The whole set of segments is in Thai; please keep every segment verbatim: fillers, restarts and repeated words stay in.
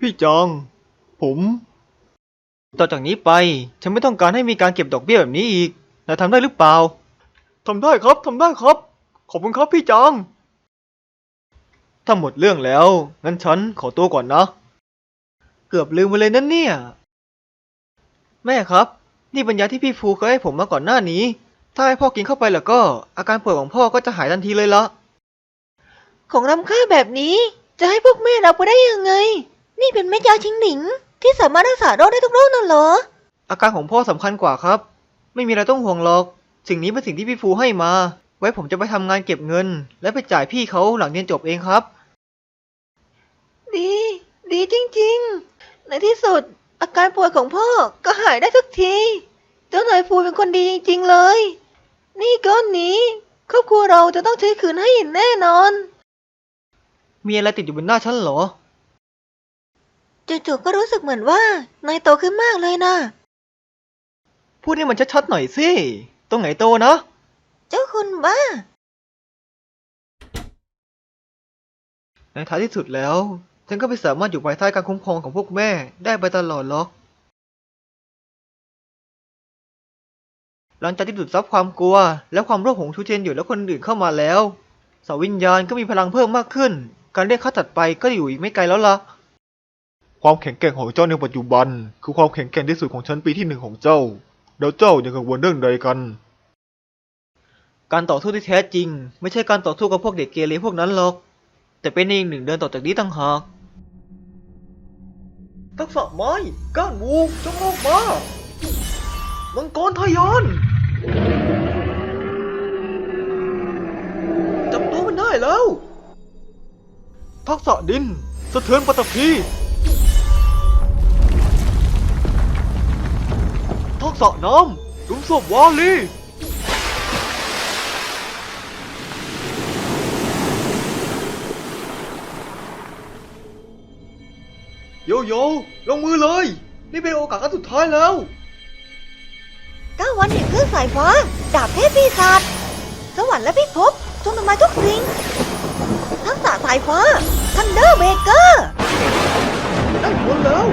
พี่จองผมต่อจากนี้ไปฉันไม่ต้องการให้มีการเก็บดอกเบี้ยแบบนี้อีกนายทำได้หรือเปล่าทำได้ครับทำได้ครับขอบคุณครับพี่จองถ้าหมดเรื่องแล้วงั้นฉันขอตัวก่อนนะเกือบลืมไปเลยนั่นเนี่ยแม่ครับนี่เป็นยาที่พี่ฟูเคยให้ผมมาก่อนหน้านี้ถ้าให้พ่อกินเข้าไปแล้วก็อาการป่วยของพ่อก็จะหายทันทีเลยละของล้ำค่าแบบนี้จะให้พวกแม่รับไปได้ยังไงนี่เป็นเม็ดยาชิงหนิงที่สามารถรักษาโรคได้ทุกโรคนั่นเหรออาการของพ่อสำคัญกว่าครับไม่มีอะไรต้องห่วงหรอกสิ่งนี้เป็นสิ่งที่พี่ฟูให้มาไว้ผมจะไปทำงานเก็บเงินและไปจ่ายพี่เขาหลังเรียนจบเองครับดีดีจริงๆในที่สุดอาการป่วยของพ่อก็หายได้สักทีเจ้านายฟูเป็นคนดีจริงๆเลยนี่ก้อนนี้ครอบครัวเราจะต้องใช้คืนให้อย่างแน่นอนมีอะไรติดอยู่บนหน้าฉันเหรอจู่ๆก็รู้สึกเหมือนว่านายโตขึ้นมากเลยนะพูดให้มันชัดๆหน่อยสิตรงไหนโตนะเจ้าคุณบ้าในท้ายที่สุดแล้วฉันก็ไม่สามารถอยู่ภายใต้การคุ้มครองของพวกแม่ได้ไปตลอดหรอกหลังจากที่ดูดซับความกลัวและความโลภของชูเจนอยู่และคนอื่นเข้ามาแล้วเสาวิญญาณก็มีพลังเพิ่มมากขึ้นการเรียกค่าถัดไปก็อยู่อีกไม่ไกลแล้วล่ะความแข็งแกร่งของเจ้าในปัจจุบันคือความแข็งแกร่งที่สุดของชั้นปีที่หนึ่งของเจ้าแล้วเจ้ายังกังวลเรื่องใดกันการต่อสู้ที่แท้จริงไม่ใช่การต่อสู้กับพวกเด็กเกเรพวกนั้นหรอกแต่เป็นอีกหนึ่งเดินต่อจากนี้ต่างหากทักษะไม้ก้านวูจงออกมามังกรทยานจับตัวมันได้แล้วทักษะดินสะเทือนปฐพีทักษะน้ำลุมศพวาลีโยโย่ลงมือเลยนี่เป็นโอกาสครั้งสุดท้ายแล้วเก้าวันแห่งคลื่นสายฟ้าดาบเทพปีศาจสวรรค์และพิภพจงทำลายทุกสิ่งทักษะสายฟ้าทันเดอร์เบเกอร์ได้ผลแล้ว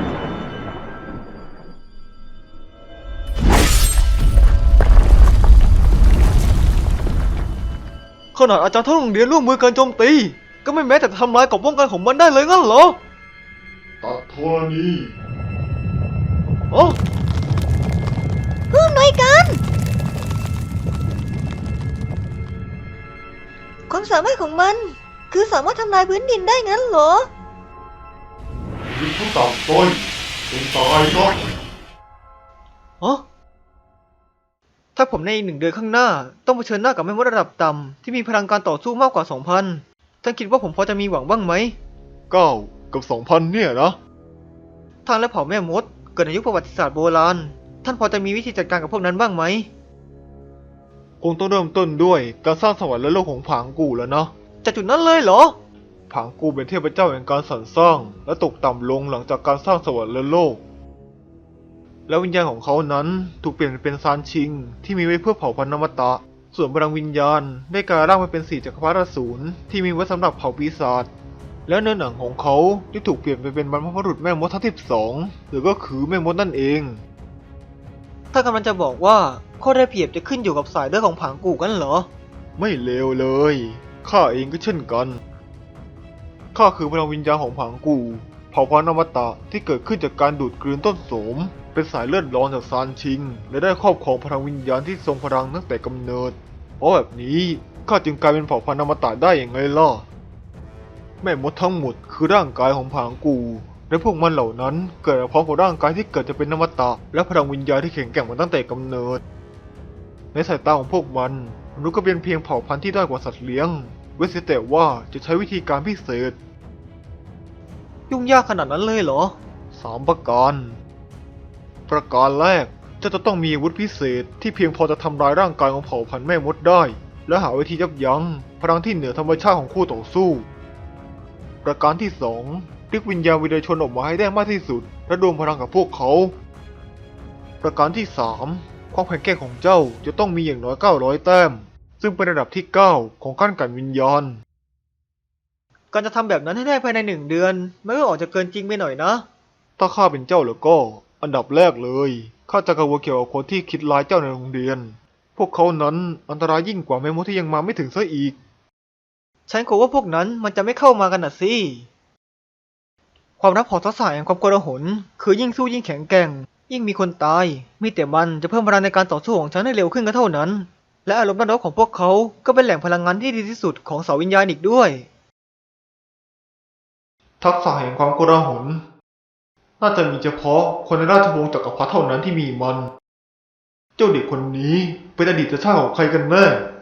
ขนาดอาจารย์ทั้งโรงเรียนร่วมมือกันโจมตีก็ไม่แม้แต่ทำลายกรอบป้องกันของมันได้เลยงั้นเหรอตัดธรณีอ๋อผู้อำนวยการความสามารถของมันคือสามารถทำลายพื้นดินได้งั้นเหรอยิงผู้ต่ำต้อยจงตายซะอ๋อถ้าผมในอีกหนึ่งเดือนข้างหน้าต้องเผชิญหน้ากับแม่มดระดับต่ำที่มีพลังการต่อสู้มากกว่า สองพัน ท่านคิดว่าผมพอจะมีหวังบ้างไหมเก้ากับ สองพัน เนี่ยนะท่านและเผ่าแม่มดเกิดในยุคประวัติศาสตร์โบราณท่านพอจะมีวิธีจัดการกับพวกนั้นบ้างไหมคงต้องเริ่มต้นด้วยการสร้างสวรรค์และโลกของผางกูแล้วนะจากจุดนั้นเลยเหรอผางกูเป็นเทพเจ้าแห่งการสรรสร้างและตกต่ำลงหลังจากการสร้างสวรรค์และโลกและวิญญาณของเขานั้นถูกเปลี่ยนเป็นซานชิงที่มีไว้เพื่อเผ่าพันธุ์อมตะส่วนพลังวิญญาณได้กลายร่างมาเป็นสี่จักรพรรดิอสูรที่มีไว้สำหรับเผ่าปีศาจและเนื้อหนังของเขาที่ถูกเปลี่ยนไปเป็นบรรพบุรุษแม่มดทั้งสิบสองหรือก็คือแม่มดนั่นเองถ้ากำลังจะบอกว่าข้อได้เปรียบจะขึ้นอยู่กับสายเลือดของผางกูกันเหรอไม่เลวเลยข้าเองก็เช่นกันข้าคือพลังวิญญาณของผางกูเผ่าพันธุ์อมตะที่เกิดขึ้นจากการดูดกลืนต้นโสมเป็นสายเลือดร้อนจากซานชิงและได้ครอบครองพลังวิญญาณที่ทรงพลังตั้งแต่กำเนิดเพราะแบบนี้ข้าจึงกลายเป็นเผ่าพันธุ์อมตะได้อย่างไงล่ะแม่มดทั้งหมดคือร่างกายของผางกูและพวกมันเหล่านั้นเกิดมาพร้อมกับร่างกายที่เกิดจะเป็นอมตะและพลังวิญญาณที่แข็งแกร่งมาตั้งแต่กำเนิดในสายตาของพวกมันมนุษย์ก็เป็นเพียงเผ่าพันธุ์ที่ด้อยกว่าสัตว์เลี้ยงเว้นเสียแต่ว่าจะใช้วิธีการพิเศษยุ่งยากขนาดนั้นเลยเหรอสามประการประการแรกเจ้าจะต้องมีอาวุธพิเศษที่เพียงพอจะทำลายร่างกายของเผ่าพันธุ์แม่มดได้และหาวิธียับยั้งพลังที่เหนือธรรมชาติของคู่ต่อสู้ประการที่สองเรียกวิญญาณวิญญาณชนออกมาให้ได้มากที่สุดและรวมพลังกับพวกเขาประการที่สามความแข็งแกร่งของเจ้าจะต้องมีอย่างน้อยเก้าร้อยแต้มซึ่งเป็นระดับที่เก้าของขั้นกันวิญญาณการจะทำแบบนั้นให้ได้ภายในหนึ่งเดือนมันก็ออกจะเกินจริงไปหน่อยนะถ้าข้าเป็นเจ้าแล้วก็ อันดับแรกเลยข้าจะกังวลเกี่ยวกับคนที่คิดร้ายเจ้าในโรงเรียน พวกเขานั้นอันตรายยิ่งกว่าแมมมธที่ยังมาไม่ถึงซะอีกฉันกลัวว่าพวกนั้นมันจะไม่เข้ามากันน่ะสิ ความลับของทักษะแห่งความโกลาหลคือยิ่งสู้ยิ่งแข็งแกร่ง ยิ่งมีคนตาย มีแต่มันจะเพิ่มพลังในการต่อสู้ของฉันให้เร็วขึ้นก็เท่านั้น และอารมณ์ด้านลบของพวกเขาก็เป็นแหล่งพลังงานที่ดีที่สุดของเสาวิญญาณอีกด้วยทักษะแห่งความโกลาหลน่าจะมีเฉพาะคนในราชวงศ์จักรพรรดิเท่านั้นที่มีมัน เจ้าเด็กคนนี้เป็นอดีตชาติของใครกันแน่